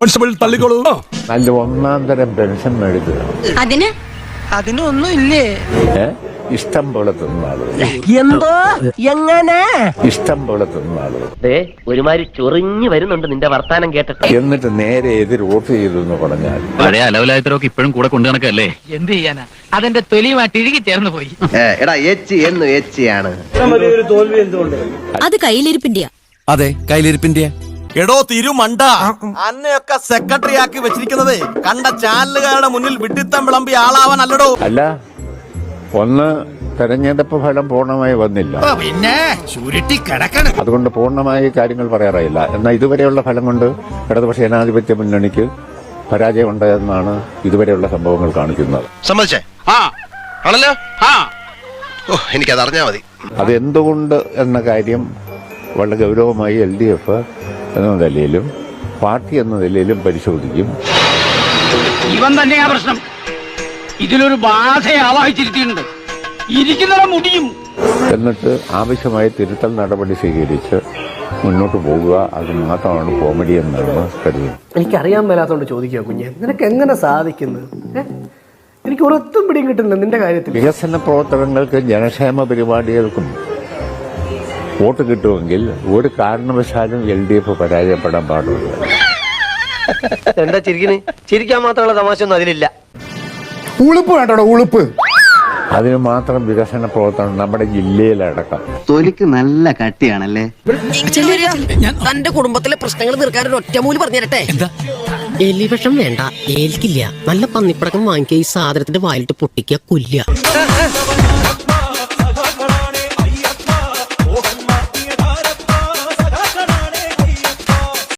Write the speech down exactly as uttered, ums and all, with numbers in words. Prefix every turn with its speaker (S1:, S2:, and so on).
S1: Constable തള്ളിക്കോളൂ.
S2: നല്ല ഒന്നാം തരം പെൻഷൻ മേടിക്കുക.
S3: അതിന്
S4: അതിനൊന്നും ഇല്ലേ?
S2: ഇഷ്ടം പോലെ തിന്നാള്.
S4: എന്തോ എങ്ങനെ
S2: ഇഷ്ടം പോലെ തിന്നാള്.
S5: ഒരുമാതിരി ചൊറിഞ്ഞു വരുന്നുണ്ട് നിന്റെ വർത്താനം കേട്ടിട്ട്.
S2: എന്നിട്ട് നേരെ എതിർ വോട്ട് ചെയ്തു എന്ന് പറഞ്ഞാൽ
S6: പഴയ അലവലായത്തരൊക്കെ ഇപ്പോഴും കൂടെ കൊണ്ടു നടക്കല്ലേ?
S4: എന്ത് ചെയ്യാനാ, അതെന്റെ തൊലിയുമായിട്ട് ഇഴുകി ചേർന്ന് പോയി.
S5: എടാ എച്ച് എന്ന് എച്ച് ആണ്.
S3: അത് കയ്യിലിരിപ്പിന്റെയാ.
S7: അതെ, കയ്യിലിരിപ്പിന്റെ.
S1: എടോ തിരുമണ്ട, അന്നയൊക്കെ സെക്രട്ടറി ആക്കി വെച്ചിരിക്കുന്നത് കണ്ട ചാനലുകാരുടെ മുന്നിൽ വിഡിത്തം വിളമ്പി ആളാവാനല്ലടോ.
S2: അല്ല, ഒന്ന് തെരഞ്ഞെടുപ്പ് ഫലം പൂർണ്ണമായി വന്നില്ല,
S1: പിന്നെ ചുരുട്ടി കിടക്കണം.
S2: അതുകൊണ്ട് പൂർണ്ണമായി കാര്യങ്ങൾ പറയാറായില്ല. എന്നാൽ ഇതുവരെയുള്ള ഫലം കൊണ്ട് ഇടതുപക്ഷ ജനാധിപത്യ മുന്നണിക്ക് പരാജയം ഉണ്ടായെന്നാണ് ഇതുവരെയുള്ള സംഭവങ്ങൾ കാണിക്കുന്നത്.
S8: സമ്മതിച്ചേ? ആണല്ലോ. ഓ, എനിക്കത് അറിഞ്ഞാ മതി.
S2: അത് എന്തുകൊണ്ട് എന്ന കാര്യം വളരെ ഗൗരവമായി എൽ ഡി എഫ് എന്ന നിലയിലും പാർട്ടി എന്ന നിലയിലും പരിശോധിക്കും.
S4: ഇവൻ തന്നെയാ പ്രശ്നം. ഇതിലൊരു ബാധയെ ആവാഹിച്ചിരുത്തിയിട്ടുണ്ട്. ഇരിക്കുന്നവ മുടിയും.
S2: എന്നിട്ട് ആവശ്യമായ തിരുത്തൽ നടപടി സ്വീകരിച്ച് മുന്നോട്ട് പോകുക. അത് മാത്രമാണ് കോമഡി എന്നാണ് കരുതുന്നത്.
S9: എനിക്കറിയാൻ മേലാത്തോണ്ട് ചോദിക്കുക കുഞ്ഞെ, നിനക്ക് എങ്ങനെ സാധിക്കുന്നത്? എനിക്ക് ഒരൊത്തും പിടിയും കിട്ടുന്നില്ല നിന്റെ കാര്യത്തിൽ.
S2: വികസന പ്രവർത്തനങ്ങൾക്കും ജനക്ഷേമ പരിപാടികൾക്കും വോട്ട് കിട്ടുമെങ്കിൽ ഒരു കാരണവശാലും എൽ ഡി എഫ് പരാജയപ്പെടാൻ പാടില്ല.
S5: എന്താ ചിരിക്കണ്? ചിരിക്കാൻ മാത്രമുള്ള തമാശ ഒന്നും അതിലില്ല.
S7: ഉളുപ്പ് വേണ്ടോ? ഉളുപ്പ്.
S2: അതിന് മാത്രം വികസന പ്രവർത്തനം നമ്മുടെ ജില്ലയിലടക്കം.
S5: തൊലിക്ക് നല്ല കട്ടിയാണല്ലേ.
S4: തന്റെ കുടുംബത്തിലെ പ്രശ്നങ്ങൾ തീർക്കാൻ ഒരു ഒറ്റമൂലി പറഞ്ഞു തരട്ടെ.
S10: എലിവിഷം വേണ്ട, ഏൽക്കില്ല. നല്ല പന്നിപ്പടക്കം വാങ്ങിക്കുക, ഈ സാധനത്തിന്റെ വായിലിട്ട് പൊട്ടിക്കുക, കൊല്ലുക.